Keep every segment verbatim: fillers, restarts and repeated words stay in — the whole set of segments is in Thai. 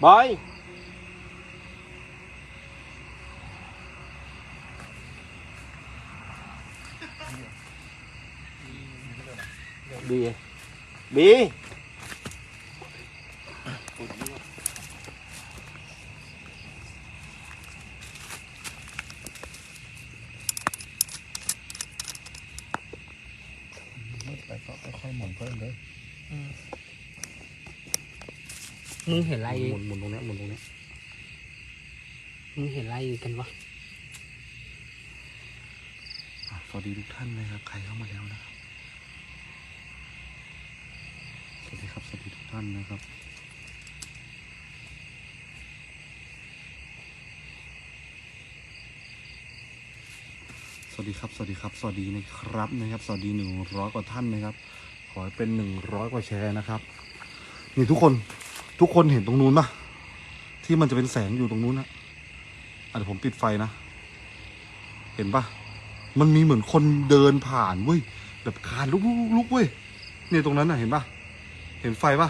บอยบีบีไปก็ค่อยๆหมุนเพิ่มเลยมึงเห็นอะไรหมุนหมุนตรงนี้หมุนตรงนี้มึงเห็นอะไรกันวะสวัสดีทุกท่านนะครับใครเข้ามาแล้วนะครับสวัสดีครับสวัสดีทุกท่านนะครับสวัสดีครับสวัสดีครับสวัสดีนะครับนะครับสวัสดีหนึ่งร้อยกว่าท่านนะครับขอให้เป็นหนึ่งร้อยกว่าแชร์นะครับนี่ทุกคนทุกคนเห็นตรงนู้นปะที่มันจะเป็นแสงอยู่ตรงนู้นนะอ่ะเดี๋ยวผมปิดไฟนะเห็นปะมันมีเหมือนคนเดินผ่านเว้ยแบบคานลุกลุกลุกเว้ยเนี่ยตรงนั้นน่ะเห็นปะเห็นไฟปะ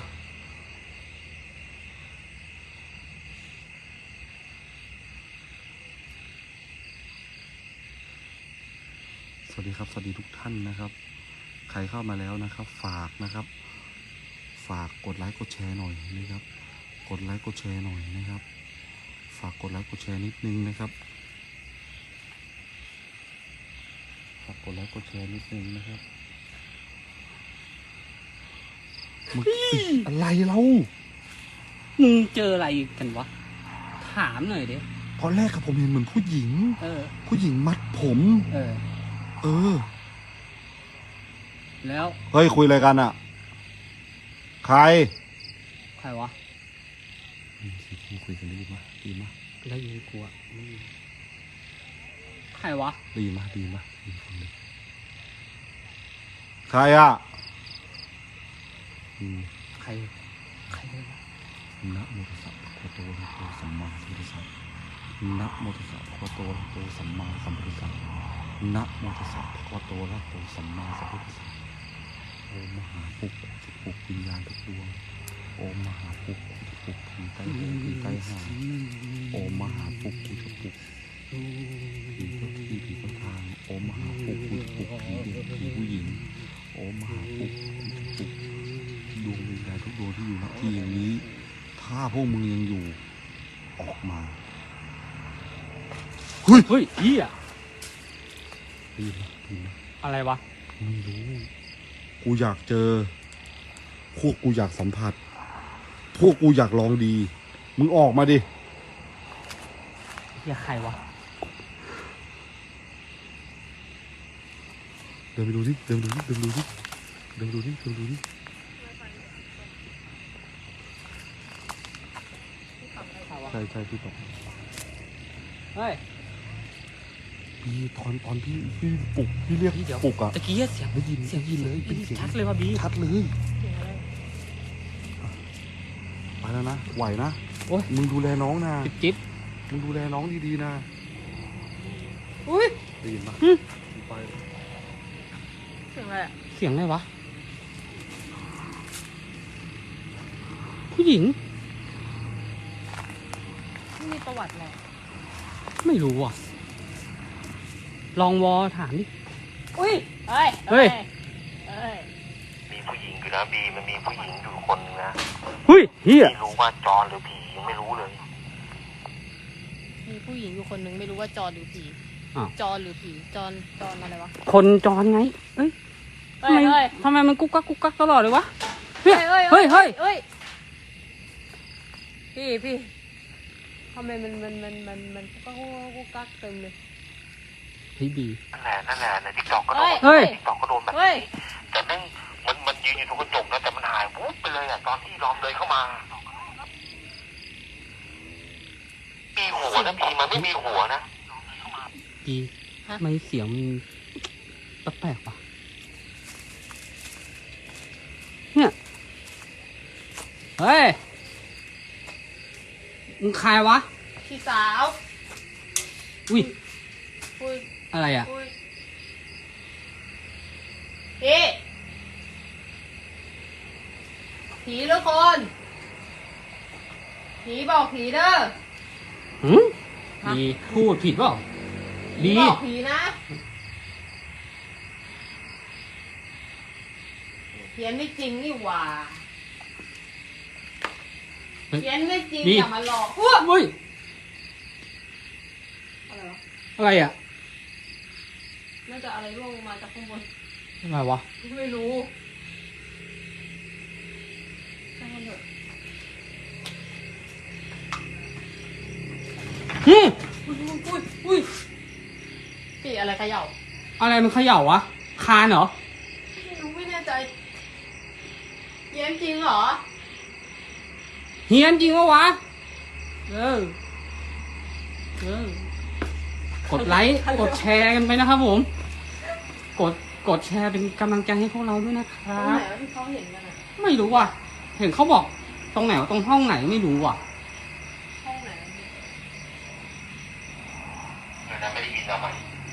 สวัสดีครับสวัสดีทุกท่านนะครับใครเข้ามาแล้วนะครับฝากนะครับฝากกดไลค์กดแชร์หน่อยนะครับกดไลค์กดแชร์หน่อยนะครับฝากกดไลค์กดแชร์นิดนึงนะครับฝากกดไลค์กดแชร์นิดนึงนะครับมึงอะไรเรามึงเจออะไรกันวะถามหน่อยดิตอนแรกกับผมเห็นเหมือนผู้หญิงเออผู้หญิงมัดผมเออเออแล้วเฮ้ยคุยอะไรกันอ่ะใครใครวะคุยกันได้ยินไหมดีมั้ยได้ยินกูอ่ะใครวะได้ยินมั้ยดีมั้ยใครอ่ะใครใครเลยวะนะโมตัสสะภะคะวะโตอะระหะโตสัมมาสัมพุทธัสสะนะโมตัสสะภะคะวะโตอะระหะโตสัมมาสัมพุทธัสสะนะโมตัสสะภะคะวะโตอะระหะโตสัมมาสัมพุทธัสสะโอมมหาปุกจะปลุกวิญญาณทุกดวงโอมมหาปุกจะปลุกผีใต้หัวผีใต้หางโอมมหาปุกจะปลุกผีเจ้าที่ผีเจ้าทางโอมมหาปุกจะปลุกผีเด็กผีผู้หญิงโอมมหาปุกจะปลุกดวงวิญญาณทุกดวงที่อยู่ณที่อย่างนี้ถ้าพวกมึงยังอยู่ออกมาเฮ้ยเฮ้ยอีอ่ะดีนะดีนะอะไรวะไม่รู้กูอยากเจอพวกกูอยากสัมผัสพวกกูอยากลองดีมึงออกมาดิเฮียใครวะเดินไปดูดิเดินดูดิเดินดูดิเดินดูดิเดินดูดิใช่ใช่พี่ตกเฮ้ยพี่ตอนตอนพี่พี่ปลุกพี่เรียกพี่ปลุกอะตะกี้เสียงได้ยินเสียงยินเลยเป็นเสียงชัดเลยว่ะบีชัดเลยไปแล้วนะไหวนะโอ้ยมึงดูแลน้องนะจิ๊บมึงดูแลน้องดีๆนะอุ้ยได้ยินปะไปเสียงอะไรอะเสียงอะไรวะผู้หญิงไม่มีประวัติอะไรไม่รู้อ่ะลองวอถามดิอุ้ยเฮ้ยเฮ้ยเฮ้ยมีผู้หญิงอยู่นะบีมันมีผู้หญิงอยู่คนนึงนะเฮ้ยเฮียไม่รู้ว่าจอนหรือผียังไม่รู้เลยมีผู้หญิงอยู่คนนึงไม่รู้ว่าจอนหรือผีจอนหรือผีจอนจอนอะไรวะคนจอนไงเอ้ยทำไมทำไมมันกุ๊กกักกุ๊กกักตลอดเลยวะเฮ้ยเฮ้ยเฮ้ยเฮ้ยเฮ้ยพี่พี่ทำไมมันมันมันมันมันกุ๊กกักกุ๊กกักเต็มเลยเฮ้ยบีนั่นแหละนั่นแหละในทิกตอกก็โดนทิกตอกก็โดนแบบนี้แต่นั่งมันมันยืนอยู่ตรงกระจกนะแต่มันหายวุ๊บไปเลยอ่ะตอนที่ล้อมเลยเข้ามามีหัวนะบีมันไม่มีหัวนะบีไม่เสียงมันแปลกๆป่ะเนี่ยเฮ้ยมึงใครวะพี่สาวอุ้ยพูดอะไรอ่ะพี่ผีหรือคนผีบอกผีเด้อหืมดีพูดผิดเปล่าผีดีบอกผีนะเขียนไม่จริงนี่หว่าเขียนไม่จริงอย่ามาหลอกพวกเฮ้ยอะไรวะอะไรอ่ะน่าจะอะไรร่วงลงมาจากข้างบนอะไรวะไม่รู้ช่างมันเถอะหืมอุ้ยอุ้ยอุ้ยปีอะไรเขย่าอะไรมันเขย่าวะ คานเหรอไม่รู้ไม่แน่ใจเย็นจริงเหรอเฮียนจริงวะวะ เออ เออ กดไลค์ กดแชร์กันไปนะครับผม กด กดแชร์เป็นกำลังใจให้พวกเราด้วยนะคตรรังไหนบวะที่เขาเห็นกันอะไม่รู้ว่ะ เห็นเขาบอกตรงไหนวะตรงห้องไหนไม่รู้ว่ะห้องไหนวะเนี่ยเดี๋ยวนะไม่ได้ยินเอาใหม่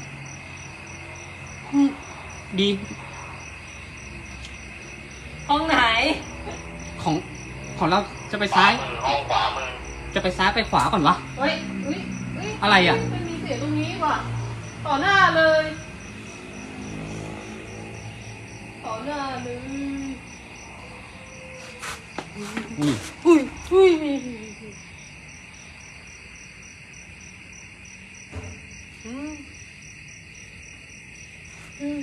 อืมดีห้องไหนของ ของเราจะไปขวาซ้ายมือห้องขวามือจะไปซ้ายไปขวาก่อนวะเฮ้ยเฮ้ยเฮ้ยอะไรอะมันมีเสียงตรงนี้ว่ะ ต่อหน้าเลย ต่อหน้าเลยอุ้ยอุ้ยอุ้ยอืมอืม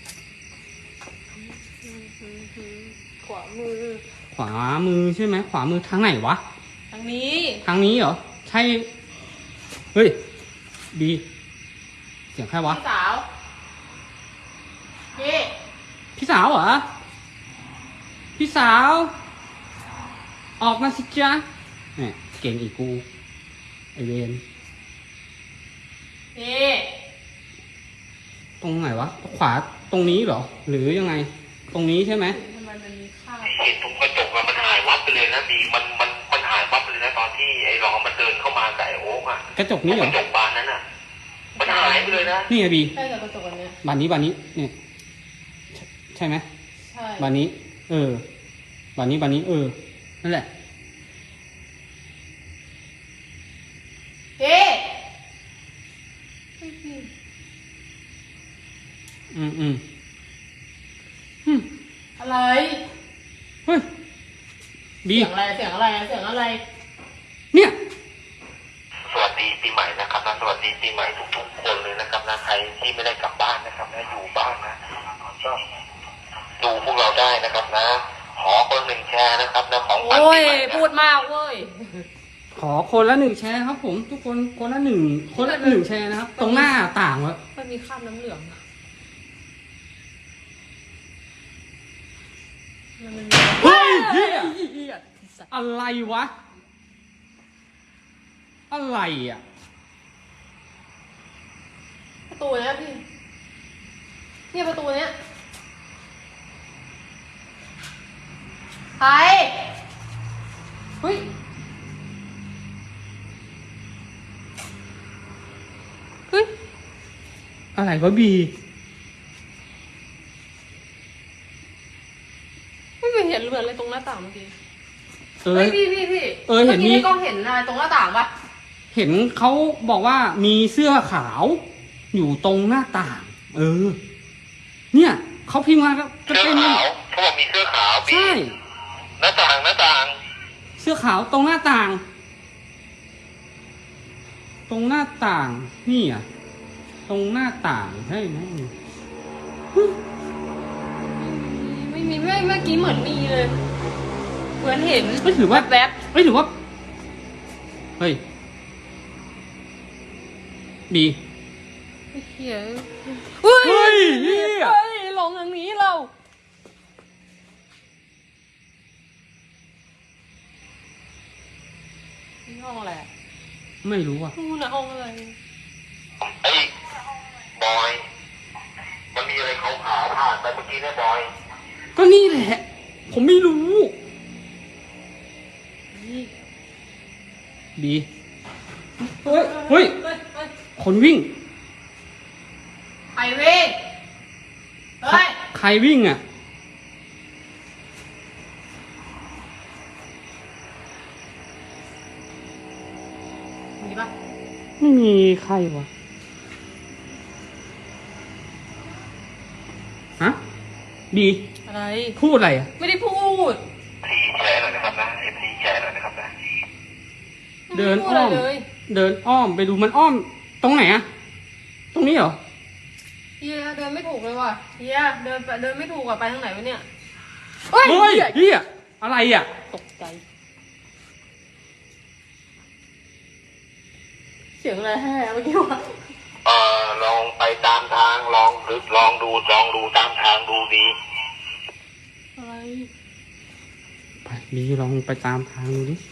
ขวามือขวามือใช่ไหม ขวามือทางไหนวะทางนี้ทางนี้เหรอ ใช่ เฮ้ย ดี เสียงใครวะพี่สาวเย่พี่สาวเหรอ พี่สาว ออกมาสิจ๊ะเนี่ยเก่งอีกกู ไอเวนเย่ตรงไหนวะ ขวาตรงนี้เหรอ หรือยังไง ตรงนี้ใช่ไหมทำไมมันมีค่าบเห็นตรงกระจกอะมันหายวับไปเลยนะบีมันมันมันหายวับไปเลยนะตอนที่ไอ้รองมันเดินเข้ามากับไอ้โอ๊กอะกระจกนี้เหรกอระจกบานนั้นอะมันหายไปเลยนะนี่ไงบีใช่กับกระจกอันเนี้ยบานนี้บานนี้เนี่ยใช่ใช่ไหมใช่บานนี้ เออ บานนี้บานนี้ เออ นั่นแหละเย่อืมอืมอืมอะไรเฮ้ย บีเสียงอะไร เสียงอะไร เสียงอะไรเนี่ยสวัสดีปีใหม่นะครับนะสวัสดีปีใหม่ทุกๆคนเลยนะครับนะใครที่ไม่ได้กลับบ้านนะครับนะอยู่บ้านนะก็ดูพวกเราได้นะครับนะ ขอคนหนึ่งแชร์นะครับนะของขวัญโอ้ปียใหม่นะพูดมากเว้ยขอคนละหนึ่งแชร์ครับผม ทุกคนคนละหนึ่งคนละหนึ่งแชร์นะครับ ตรงหน้าต่างวะมันมีคราบน้ำเหลืองมันมันมีเฮ้ยเหี้ยอะไรวะ อะไรอ่ะประตูเนี้ยพี่ เนี่ยประตูเนี้ยใครเฮ้ย เฮ้ยอะไรวะบีไม่เห็นเหมือนอะไรตรงหน้าต่างเมื่อกี้เออเฮ้ยพี่พี่พี่เออเห็นมีมื่อกี้ในกล้องเห็นอะไรตรงหน้าต่างปะเห็นเขาบอกว่ามีเสื้อขาว อยู่ตรงหน้าต่าง เออ เนี่ยเขาพิมพ์มาก็จะเสื้อเป็นขาวเขาบอกมีเสื้อขาวบีใช่หน้าต่างหน้าต่างเสื้อขาวตรงหน้าต่าง ตรงหน้าต่าง นี่อ่ะ ตรงหน้าต่างใช่ไหมไม่มีไม่เมื่อกี้เหมือนมีเลย เหมือนเห็นไม่ถือว่าแวบไม่ถือว่า เฮ้ย บีๆไอ้เหี้ยเฮ้ยเฮ้ยเหี้ยเฮ้ยลงทางนี้เรานี่ห้องอะไรอะไม่รู้อ่ะนู่นน่ะห้องอะไรไอ้บอย มันมีอะไรขาวๆผ่านไปเมื่อกี้เนี่ยบอยก็นี่แหละ ผมไม่รู้ บี เฮ้ย เฮ้ยเฮ้ยเฮ้ยคนวิ่งไอเว้ยเฮ้ยใครวิ่งอ่ะมีใครวะฮะบีอะไรพูดอะไรอ่ะไม่ได้พูดทีแชร์หน่อยนะครับนะเอฟซีแชร์หน่อยนะครับนะเดินไม่อ้ไพูอมดะไรเลยเดินอ้อมไปดูมันอ้อม ตรงไหนอ่ะ ตรงนี้เหรอเฮียเดินไม่ถูกเลยว่ะเฮียเดินไปเดินไม่ถูกอะไปทางไหนวะเนี่ยเฮ้ยเฮ้ยเฮียอะไรอ่ะตกใจ เสียงอะไรแห่เมื่อกี้วะเอ่อลองไปตามทางลองหรือลองดูลองดูตามทางดูดีอะไรไปบีลองไปตามทางดูดิ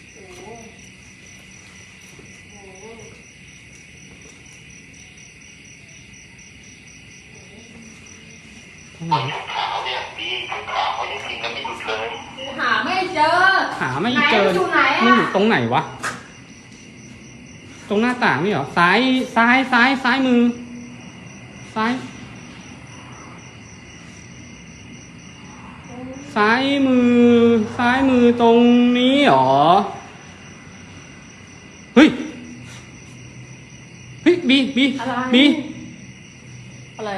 ขาวเนี่ยดีขาวเขายังกินกันไม่หยุดเลยหาไม่เจอหาไม่เจอไหนมันอยู่ไหนอะมันอยู่ตรงไหนวะ ตรงหน้าต่างนี่เหรอ ซ้าย ซ้าย ซ้าย ซ้ายมือ ซ้าย ซ้ายมือ ซ้ายมือตรงนี้เหรอ เฮ้ย เฮ้ยบีบีอะไรบีอะไร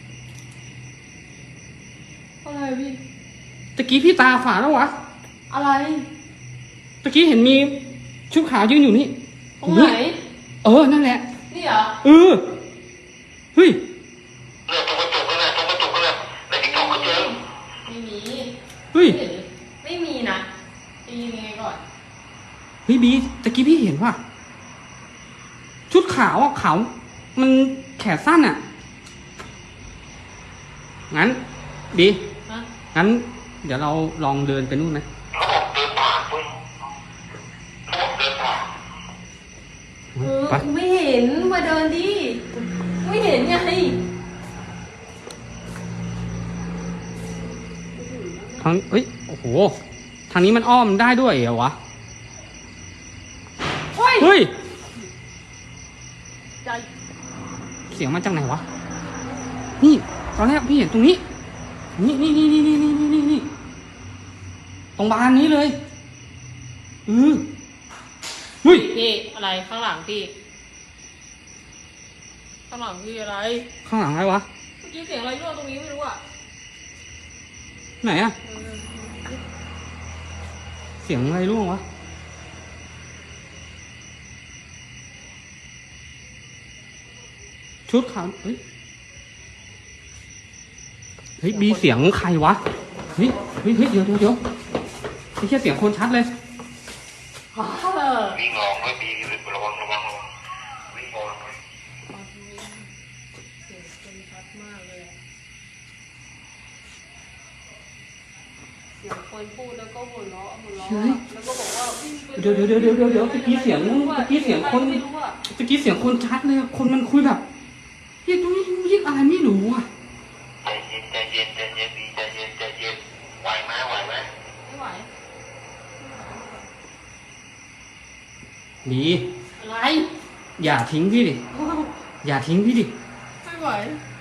อะไรพี่ตะกี้พี่ตาฝาดแล้ววะอะไรตะกี้เห็นมีชุดขาวยืนอยู่นี่ตรงไหนเออ นั่นแหละนี่เหรอเออ เฮ้ยเนี่ยตรงกระจกนั่นแหละตรงกระจกนั่นแหละในติ๊กต็อกก็เจอไม่มีเฮ้ยไม่เห็นไม่มีนะจะยินยังไงก่อนเฮ้ยบีตะกี้พี่เห็นว่า ชุดขาวอ่ะขาว มันแขนสั้นอ่ะ งั้นบีฮะงั้น เดี๋ยวเราลองเดินไปนู่นไหมเขาบอกเดินผ่านเว้ยเขาบอกเดินผ่านเออไปกูไม่เห็นมาเดินดิไม่เห็นไงทางเอ้ย โอ้โห ทางนี้มันอ้อมได้ด้วยเหรอวะเฮ้ยเฮ้ยใจเสียงมาจากไหนวะ นี่ตอนแรกพี่เห็นตรงนี้ นี่นี่นี่นี่นี่นี่นี่นี่ตรงบานนี้เลยเออเฮ้ยพี่อะไรข้างหลังพี่ ข้างหลังพี่อะไรข้างหลังอะไรวะเมื่อกี้เสียงอะไรรั่วตรงนี้ไม่รู้อ่ะไหนอะเออเสียงอะไรร่วงวะ ชุดขาวเฮ้ย เฮ้ยบีเสียงใครวะ เฮ้ย เฮ้ยเฮ้ยเดี๋ยวเดี๋ยวเดี๋ยวไม่ใช่เสียงคนชัดเลยเออวิ่งลองด้วยดีระวังระวังระวังวิ่งลองด้วยเสียงคนชัดมากเลยอะเสียงคนพูดแล้วก็หัวเราะหัวเราะเฮ้ยแล้วก็บอกว่าวิ่งไปเดี๋ยวเดี๋ยวเดี๋ยวเดี๋ยวเดี๋ยวเดี๋ยวตะกี้เสียงตะกี้เสียงคนไม่รู้อะตะกี้เสียงคนชัดเลยอะคนมันคุยแบบเรียกตรงนี้เรียกอะไรไม่รู้อ่ะใจเย็นใจเย็นใจเย็นดีใจเย็นใจเย็นไหวไหมไหวไหมไม่ไหวบีอะไรอย่าทิ้งพี่ดิ อย่าทิ้งพี่ดิไม่ไหว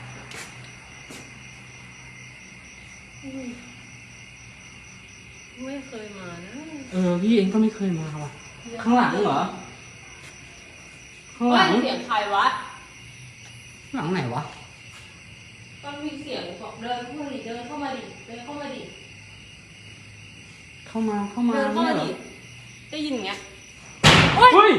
ไม่เคยมานะเออพี่เองก็ไม่เคยมาว่ะ ข้างหลังเหรอ ข้างหลังเฮ้ยเสียงใครวะหลังไหนวะต้องมีเสียงบอกเดินเข้ามาดิเดินเข้ามาดิเดินเข้ามาดิเข้ามาเข้ามาเดินเข้าเนี่ยมาเหรอดิได้ยินอย่างเงี้ยเฮ้ย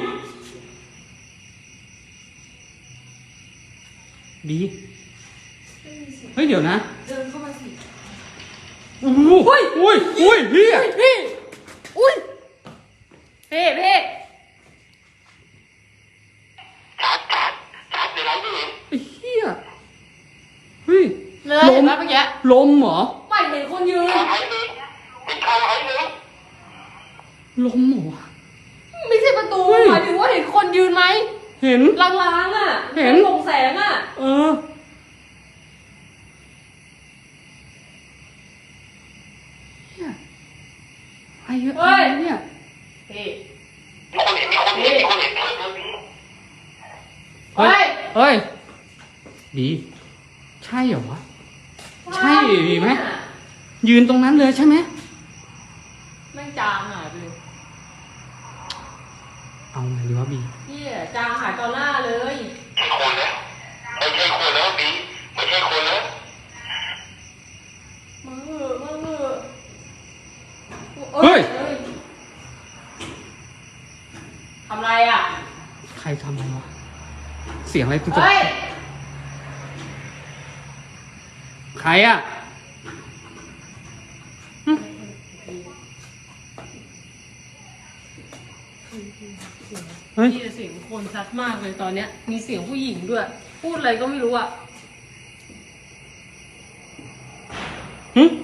บีเฮ้ยเดี๋ยวนะเดินเข้ามาสิโอ้โหอุ้ยอุ้ยอุ้ยเฮียพี่อุ้ยเพ่เพ่ชัดชัดชัดในไลฟ์ไม่เห็นไอ้เฮียเฮ้ยเลยเห็นไหมเมื่อกี้ลมเหรอไม่เห็นคนยืนข่าวไอ้เลยเป็นข่าวไอ้เลยลมเหรอวะไม่ใช่ประตูเฮ้ยหมายถึงว่าเห็นคนยืนไหมเห็นลางๆอ่ะเห็นลงแสงอ่ะเออเฮียไอ้เหี้ยอะไรเนี่ยเพ่มีคนเห็นมีคนเห็นมีคนเห็นเธอเดินดีเฮ้ย เฮ้ย ดี ใช่เหรอวะ ใช่ดีไหม ยืนตรงนั้นเลยใช่ไหมแม่งจางหายไปเลยเอาไงดีวะบีพี่จางหายต่อหน้าเลยใช่คนนะไม่ใช่คนแล้วบีไม่ใช่คนแล้วมาเหอะมาเหอะเฮ้ยทำไรอ่ะใครทำอะไรวะเสียงอะไรตุ๊กเฮ้ยใครอ่ะหึเฮ้ยมีแต่เสียงคนชัดมากเลยตอนเนี้ย มีเสียงผู้หญิงด้วย พูดอะไรก็ไม่รู้อ่ะหึ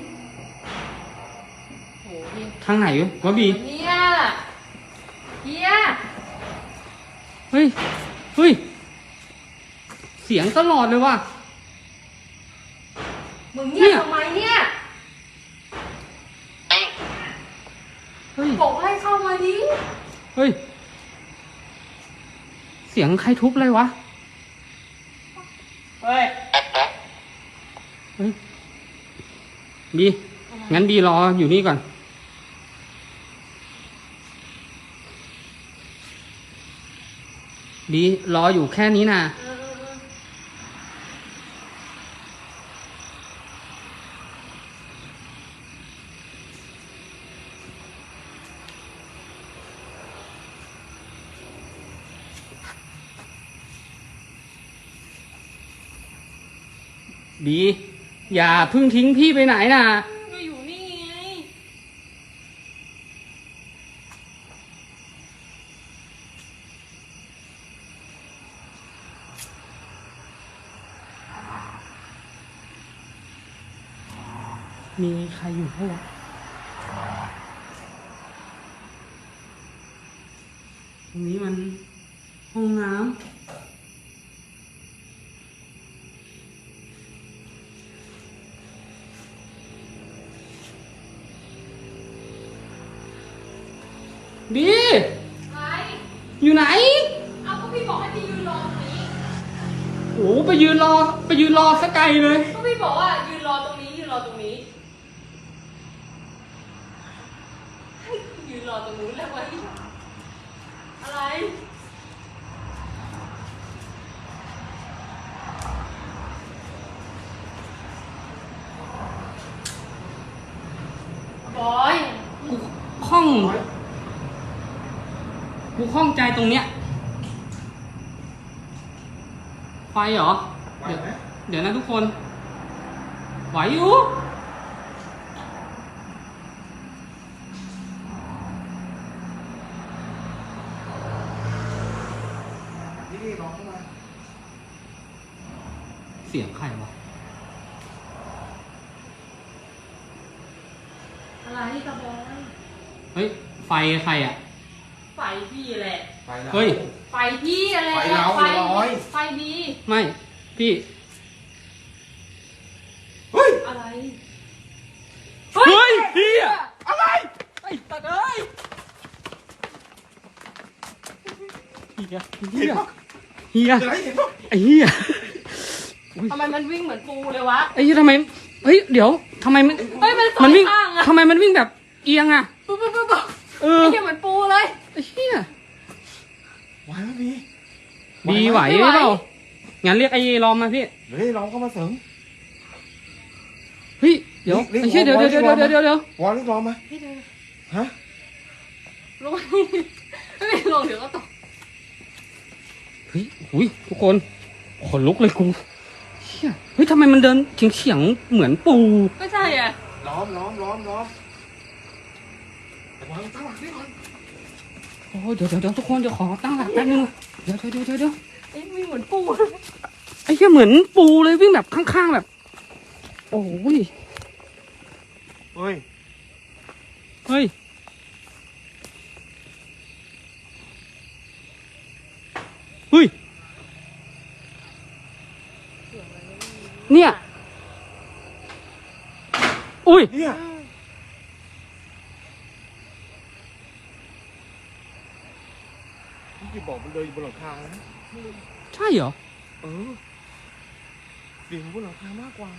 โหนี่ทางไหนวะบีเนี่ยเฮียเฮ้ย เฮ้ย เสียงตลอดเลยว่ะมึงเงียบทำไมเนี่ยเฮ้ยบอกให้เข้ามาดิเฮ้ย เสียงใครทุบเลยวะเฮ้ยเฮ้ย บี งั้นบีรออยู่นี่ก่อน บีรออยู่แค่นี้นะเออเออเออบี อย่าเพึ่งทิ้งพี่ไปไหนนะก็อยู่นี่ไงมีใครอยู่พวกตรงนี้มันห้องน้ำบีอะไรอยู่ไหนเอาก็พี่บอกให้ไปยืนรอตรงนี้โอ้ไปยืนรอ ไปยืนรอสักไกลเลยก็พี่บอกว่ายืนรอตรงนี้ยืนรอตรงนี้ให้ยืนรอตรงนู้นแล้วไว้อะไรบอยกูคล่อง กูคล่องใจตรงเนี้ย ไฟเหรอไหวเดี๋ยวไหมเดี๋ยวนะทุกคน ไหวอยู่นี่นี่น้องเข้ามาเสียงใครวะอะไรกับบอยเฮ้ย ไฟใครอ่ะไฟพี่แหละไปแล้วเฮ้ยไฟพี่อะไรไฟเราไฟบอยไฟดีไม่ พี่เฮ้ยอะไรเฮ้ยเฮียอะไร ไอ้ตัดเอ้ยเฮียเฮียเฮียเดี๋ยวให้เห็นปะไอ้เฮียทำไมมันวิ่งเหมือนปูเลยวะไอ้เฮียทำไม เฮ้ย เดี๋ยวทำไมมันเฮ้ยมันสอมันงวิ่งข้างอะทำไมมันวิ่งแบบเอียงอ่ะปุ๊บปุ๊บปุ๊บปุ๊บเออไอ้เหี้ยเหมือนปูเลยไอ้เฮียไหวไหมบีบีไหวไม่หไหวรือเปล่า งั้นเรียกไอ้รอมมาพี่เดี๋ยวให้น้องเข้ามาเสริมเฮ้ย เดี๋ยวเรียกไอ้เชี่ยเดี๋ยววอเดี๋ยวลเดี๋ยวเดี๋ยวเดี๋ยววอลนี่รอมาพี่เดินฮะลงไม่ไม่ลงเดี๋ยวก็ตกเฮ้ยหุยทุกคน ขนลุกเลยกูเชี่ยเฮ้ยทำไมมันเดินเฉียงเฉียงๆเหมือนปูไม่ใช่อ่ะล้อมล้อมล้อมล้อมแต่วางตั้งหลักนี่ก่อนโอ้ยเดี๋ยวเดี๋ยวเดี๋ยวทุกคนเดี๋ยวขอตั้งหลักแป๊บนึงเดี๋ยวเดี๋ยวเดี๋ยวเดี๋ยวไอ้วิ่งเหมือนปูไอ้เชี่ยเหมือนปูเลยวิ่งแบบข้างๆแบบ โอ้ยเฮ้ยเฮ้ย เฮ้ย เนี่ย อุ้ยเนี่ยพี่บอกมันเดินอยู่บนหลังคานะใช่เหรอเออเดินอยู่บนหลังคามากกว่า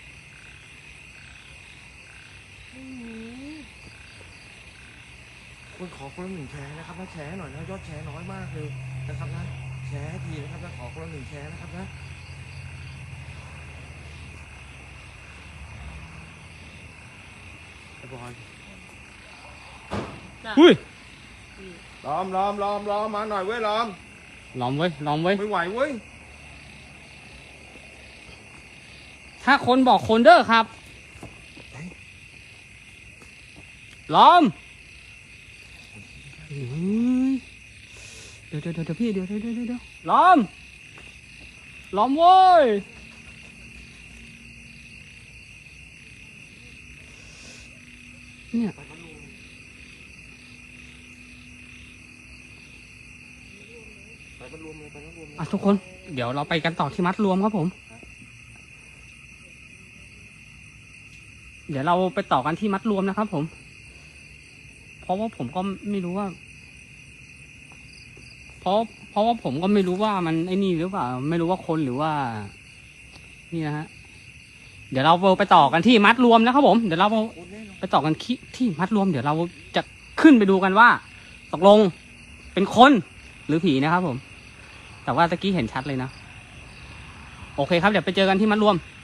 ไคนขอคนละหนึ่งแชร์นะครับนะแชร์หน่อยนะยอดแชร์น้อยมากเลยนะครับนะแชร์ให้ทีนะครับนะขอคนละหนึ่งแชร์นะครับนะไอ้บอยอุ้ยล้อมล้อมล้อมล้อมมาหน่อยเว้ยล้อมลองเว้ยลองเว้ยไม่ไหวเว้ยถ้าคนบอกคนเด้อครับล้อมเฮ้ยเดี๋ยวเดี๋ยวเดี๋ยวพี่เดี๋ยวเดี๋ยวเดี๋ยวเดี๋ยวล้อมล้อมเว้ยเนี่ยไปมันรวมเลยไปมันรวมเลยอ่ะทุกคนเดี๋ยวเราไปกันต่อที่มัดรวมครับผม เดี๋ยวเราไปต่อกันที่มัดรวมนะครับผม เพราะว่าผมก็ไม่รู้ว่า เพราะเพราะว่าผมก็ไม่รู้ว่ามันไอ้นี่หรือเปล่าไม่รู้ว่าคนหรือว่า นี่นะฮะเดี๋ยวเราไปต่อกันที่มัดรวมนะครับผมเดี๋ยวเราไปต่อกันที่ที่มัดรวม เดี๋ยวเราจะขึ้นไปดูกันว่าตกลงเป็นคนหรือผีนะครับผม แต่ว่าตะกี้เห็นชัดเลยนะโอเคครับเดี๋ยวไปเจอกันที่มัดรวม